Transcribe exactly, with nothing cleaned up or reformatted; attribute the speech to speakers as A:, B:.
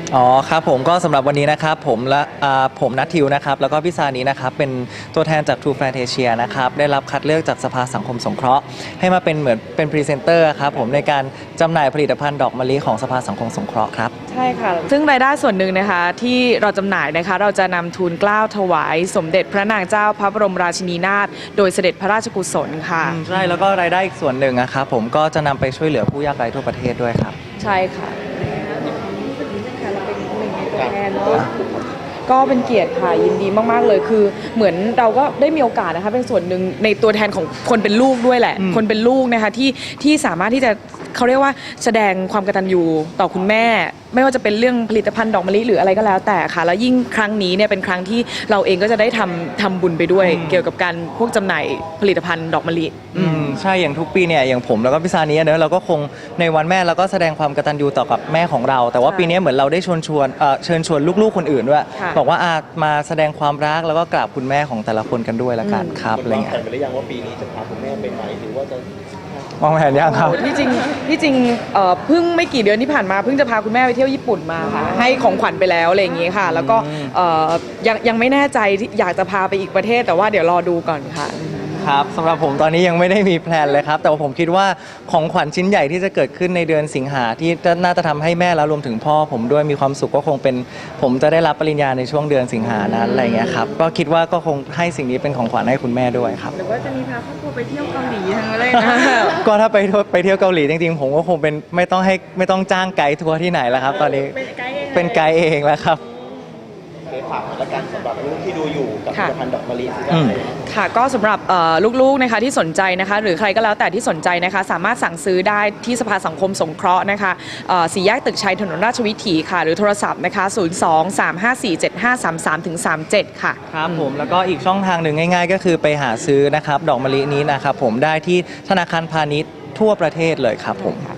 A: อ๋อครับผมก็สำหรับวันนี้นะครับผมและผมนัททิวนะครับแล้วก็พี่ซานีนะครับเป็นตัวแทนจาก True Fantasia นะครับได้รับคัดเลือกจากสภาสังคมสงเคราะห์ให้มาเป็นเหมือนเป็นพรีเซนเตอร์ครับผมในการจำหน่ายผลิตภัณฑ์ดอกมะลิของสภาสังคมสงเคราะห์ครับ
B: ใช่ค่ะซึ่งรายได้ส่วนหนึ่งนะคะที่เราจำหน่ายนะคะเราจะนำทุนเกล้าถวายสมเด็จพระนางเจ้าพระบรมราชินีนาถโดยเสด็จพระราชกุศลค่ะ
A: ใช่แล้วก็รายได้อีกส่วนหนึ่งนะครับผมก็จะนำไปช่วยเหลือผู้ยากไร้ทั่วประเทศด้วยครับ
B: ใช่ค่ะก็เป็นเกียรติค่ะยินดีมากๆเลยคือเหมือนเราก็ได้มีโอกาสนะคะเป็นส่วนหนึ่งในตัวแทนของคนเป็นลูกด้วยแหละคนเป็นลูกนะคะที่ที่สามารถที่จะเขาเรียกว่าแสดงความกตัญญูต่อคุณแม่ไม่ว่าจะเป็นเรื่องผลิตภัณฑ์ดอกมะลิหรืออะไรก็แล้วแต่ค่ะแล้วยิ่งครั้งนี้เนี่ยเป็นครั้งที่เราเองก็จะได้ทำทำบุญไปด้วยเกี่ยวกับการพวกจำหน่ายผลิตภัณฑ์ดอกมะลิ
A: อืมใช่อย่างทุกปีเนี่ยอย่างผมแล้วก็พี่ซานีเนอะเราก็คงในวันแม่เราก็แสดงความกตัญญูต่อกับแม่ของเราแต่ว่าปีนี้เหมือนเราได้ชวนชวนเชิญชวนลูกๆคนอื่นด้วยบอกว่าอามาแสดงความรักแล้วก็กราบคุณแม่ของแต่ละคนกันด้วยละกันครับอะไรเงี้ยว
C: างแผนไปหรือยังว่าปีนี้จะพาคุณแม่ไปไหนหรือว่าจะ
A: วางแผนยังครับ
B: ที่จริงที่จริงเพิ่งไม่กี่เดือนที่ผ่านมาเพิ่งจะพาคุณแม่ไปเที่ยวญี่ปุ่นมาค่ะให้ของขวัญไปแล้วอะไรอย่างงี้ค่ะแล้วก็ยังยังไม่แน่ใจที่อยากจะพาไปอีกประเทศแต่ว่าเดี๋ยวรอดูก่อนค่ะ
A: ครับสำหรับผมตอนนี้ยังไม่ได้มีแพลนเลยครับแต่ว่าผมคิดว่าของขวัญชิ้นใหญ่ที่จะเกิดขึ้นในเดือนสิงหาที่น่าจะทำให้แม่แล้วรวมถึงพ่อผมด้วยมีความสุขก็คงเป็นผมจะได้รับปริญญาในช่วงเดือนสิงหานั้นอะไรเงี้ยครับก็คิดว่าก็คงให้สิ่งนี้เป็นของขวัญให้คุณแม่ด้วยครับ
B: หรือว่าจะมีพาครอบครัวไปเที่ยวเกาหลีทั้งอะไรนะ
A: ก็ถ้าไปไปเที่ยวเกาหลีจริงๆผมก็คงเป็นไม่ต้องให้ไม่ต้องจ้างไกด์ทัวร์ที่ไหนแล้วครับตอนนี้เป็นไกด์เองแล้วครับ
C: ฝากและการสำหรับลูกที่ดูอยู่กับผลิตภัณฑ์ดอกมะลิ
B: ค่ะก็สำหรับลูกๆนะคะที่สนใจนะคะหรือใครก็แล้วแต่ที่สนใจนะคะสามารถสั่งซื้อได้ที่สภาสังคมสงเคราะห์นะคะสี่แยกตึกชัยถนนราชวิถีค่ะหรือโทรศัพท์นะคะศูนย์ สอง สาม ห้า สี่ เจ็ด ห้า สาม สาม สาม เจ็ดค่ะ
A: ครับผมแล้วก็อีกช่องทางหนึ่งง่ายๆก็คือไปหาซื้อนะครับดอกมะลินี้นะครับผมได้ที่ธนาคารพาณิชย์ทั่วประเทศเลยครับผม